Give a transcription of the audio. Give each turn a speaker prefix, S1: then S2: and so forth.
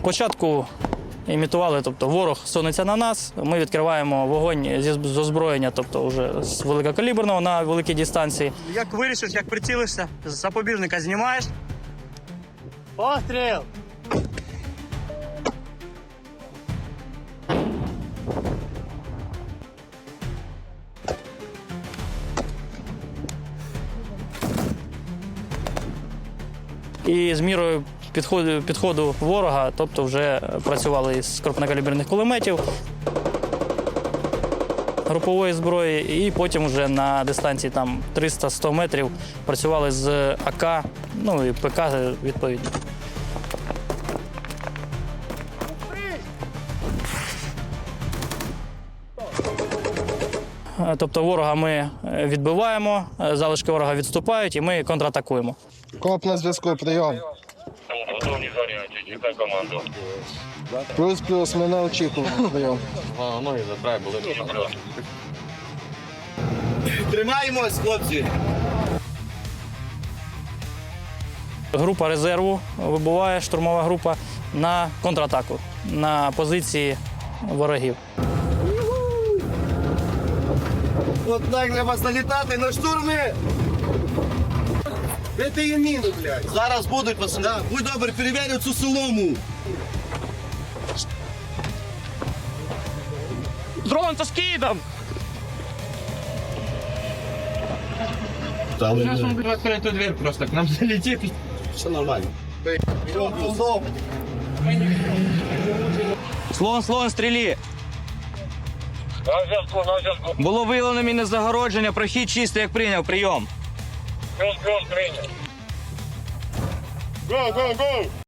S1: Спочатку імітували, тобто ворог сунеться на нас, ми відкриваємо вогонь з озброєння, тобто вже з великокаліберного на великій дистанції.
S2: Як вирішиш, як прицілишся, з запобіжника знімаєш. Постріл!
S1: І з мірою підходу ворога, тобто вже працювали з крупнокаліберних кулеметів, групової зброї, і потім вже на дистанції там 300-100 метрів працювали з АК, ну і ПК відповідно. Тобто ворога ми відбиваємо, залишки ворога відступають і ми контратакуємо.
S3: Коп на зв'язку, прийом.
S4: Готові заряджати, чекай команду.
S3: Плюс-плюс, ми на очікуванні, прийом.
S4: Ноги затрай, були плюс.
S5: Тримаємось, хлопці!
S1: Група резерву вибуває, штурмова група, на контратаку, на позиції ворогів.
S5: От так треба залітати на штурми! Де ти її міну, блядь? Зараз будуть, пацани. Да, будь добре, перевірю цю солому.
S2: Дрон со скидом!
S5: Там
S2: Сейчас он будет открыть эту дверь просто, к нам залетит.
S5: все нормально.
S6: Слон, стрілі!
S4: На зв'язку.
S6: Було виявлено мінне загородження, прохід чистий, як прийняв, прийом.
S4: Плюс прийняв. Go, go, go!